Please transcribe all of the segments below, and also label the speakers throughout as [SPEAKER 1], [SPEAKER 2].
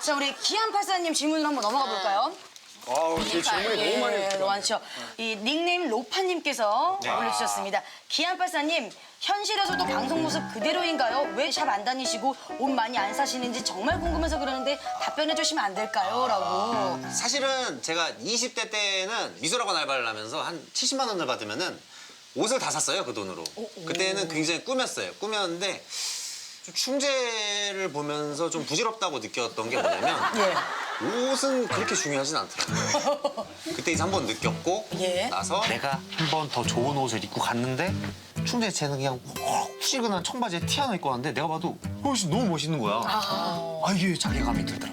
[SPEAKER 1] 자, 우리 기안84님 질문으로 한번 넘어가 볼까요?
[SPEAKER 2] 아우, 제 질문이 너무 많이 들어요.
[SPEAKER 1] 많죠. 이 닉네임 로파님께서 올려주셨습니다. 기안84님, 현실에서도 방송 모습 그대로인가요? 왜 샵 안 다니시고 옷 많이 안 사시는지 정말 궁금해서 그러는데 답변해 주시면 안 될까요? 라고.
[SPEAKER 3] 사실은 제가 20대 때는 미술학원 알바를 하면서 한 70만 원을 받으면은 옷을 다 샀어요, 그 돈으로. 그때는 굉장히 꾸몄어요. 꾸몄는데 좀 충재를 보면서 좀 부질없다고 느꼈던 게 뭐냐면 옷은 그렇게 중요하진 않더라고요. 그때 이제 한 번 느꼈고 나서
[SPEAKER 4] 내가 한 번 더 좋은 옷을 입고 갔는데 충재 쟤는 그냥 혹시근한 청바지에 티 하나 입고 왔는데 내가 봐도 훨씬 너무 멋있는 거야. 이게 자괴감이 들더라고.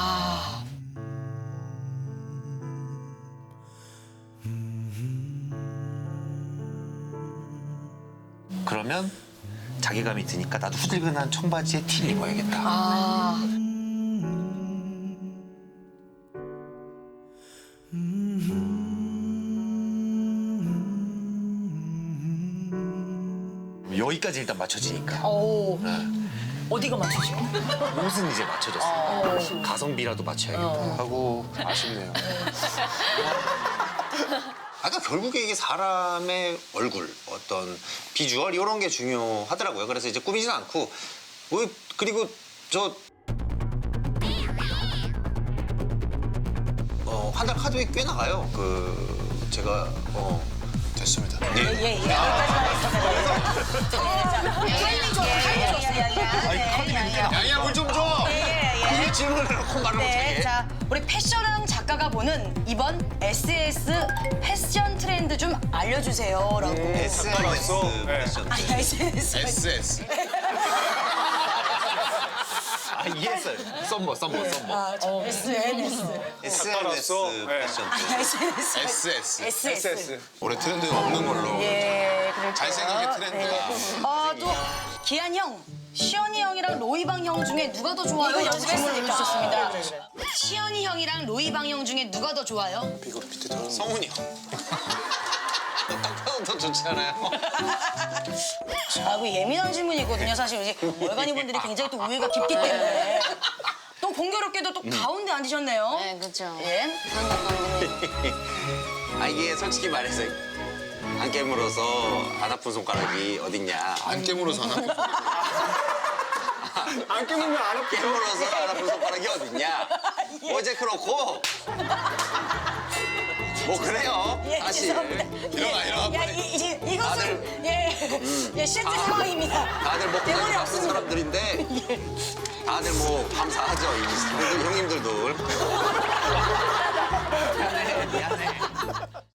[SPEAKER 4] 그러면 자괴감이 드니까 나도 후들근한 청바지에 티를 입어야겠다. 여기까지 일단 맞춰지니까.
[SPEAKER 1] 어디가 맞추죠?
[SPEAKER 4] 옷은 이제 맞춰졌어. 가성비라도 맞춰야겠다 하고.
[SPEAKER 2] 아쉽네요.
[SPEAKER 3] 아까 결국에 이게 사람의 얼굴, 어떤 비주얼 이런 게 중요하더라고요. 그래서 이제 꾸미진 않고 그리고 저 한 달 카드비 꽤 나가요. 제가 됐습니다.
[SPEAKER 1] 예. 타이밍 좋았어.
[SPEAKER 3] 야야 물 좀 줘. 그게 질문을 해놓고 말을 못해.
[SPEAKER 1] 자, 우리 패션왕 작가가 보는 이번 SS 패션 트렌드 좀 알려주세요. 라고.
[SPEAKER 3] SNS 패션.
[SPEAKER 1] SNS.
[SPEAKER 3] SS.
[SPEAKER 4] 이해했어요. 썸머.
[SPEAKER 1] SNS.
[SPEAKER 3] SNS 패션.
[SPEAKER 1] SNS.
[SPEAKER 3] SS.
[SPEAKER 2] 올해 트렌드는 없는 걸로.
[SPEAKER 1] 예, 그럴게요.
[SPEAKER 2] 잘생긴 게 트렌드다.
[SPEAKER 1] 또 기한 형, 시연이 형이랑 로이방 형 중에 누가 더 좋아요? 이거 질문을 주셨습니다. 시연이 형이랑 로이방 형 중에 누가 더 좋아요?
[SPEAKER 2] 이거 밑에 들어.
[SPEAKER 3] 성훈이 형. 딱 봐도 더 좋지 않아요?
[SPEAKER 1] 그 예민한 질문이거든요. 사실 이제 월간이 분들이 굉장히 또 우애가 깊기 때문에. 또 공교롭게도 또 가운데 앉으셨네요.
[SPEAKER 5] 네, 그렇죠.
[SPEAKER 1] 예.
[SPEAKER 3] 이게 솔직히 말해서 안 깨물어서 안 아픈 손가락이 어딨냐.
[SPEAKER 2] 안 깨물어서 안 아픈 안 깨물면 안 아픈
[SPEAKER 3] 깨물어서 안 아픈 손가락이 어딨냐. 어제 그렇고 뭐 그래요.
[SPEAKER 1] 예,
[SPEAKER 3] 사실.
[SPEAKER 1] 죄송합니다.
[SPEAKER 3] 일어나.
[SPEAKER 1] 야, 이것은 실제 상황입니다.
[SPEAKER 3] 다들 먹고
[SPEAKER 1] 대본이
[SPEAKER 3] 다니는 아픈
[SPEAKER 1] 없습니다.
[SPEAKER 3] 사람들인데 다들 뭐 감사하죠. 형님들도. 미안해.